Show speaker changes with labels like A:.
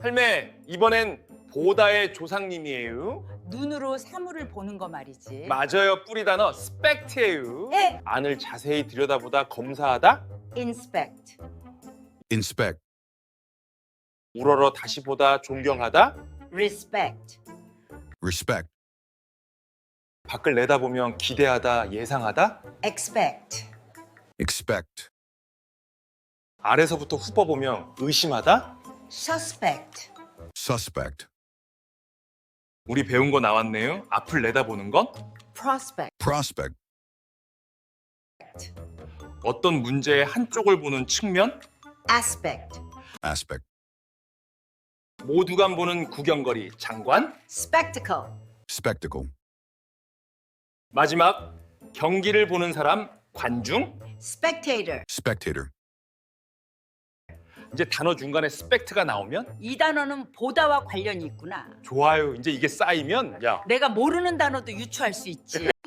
A: 할매, 이번엔 보다의 조상님이에요.
B: 눈으로 사물을 보는 거 말이지.
A: 맞아요. 뿌리 단어 스펙트예요.
B: 예.
A: 안을 자세히 들여다보다 검사하다.
B: inspect.
C: inspect,
A: 우러러 다시 보다 존경하다.
B: respect.
C: respect,
A: 밖을 내다보면 기대하다, 예상하다.
B: expect.
C: expect,
A: 아래서부터 훑어보면 의심하다.
B: suspect.
C: suspect,
A: 우리 배운 거 나왔네요. 앞을 내다보는 건
B: prospect.
C: prospect,
A: 어떤 문제의 한쪽을 보는 측면.
B: aspect.
C: aspect,
A: 모두가 보는 구경거리, 장관.
B: spectacle.
C: spectacle,
A: 마지막 경기를 보는 사람, 관중.
B: spectator.
C: spectator,
A: 이제 단어 중간에 스펙트가 나오면
B: 이 단어는 보다와 관련이 있구나.
A: 좋아요. 이제 이게 쌓이면 야
B: 내가 모르는 단어도 유추할 수 있지.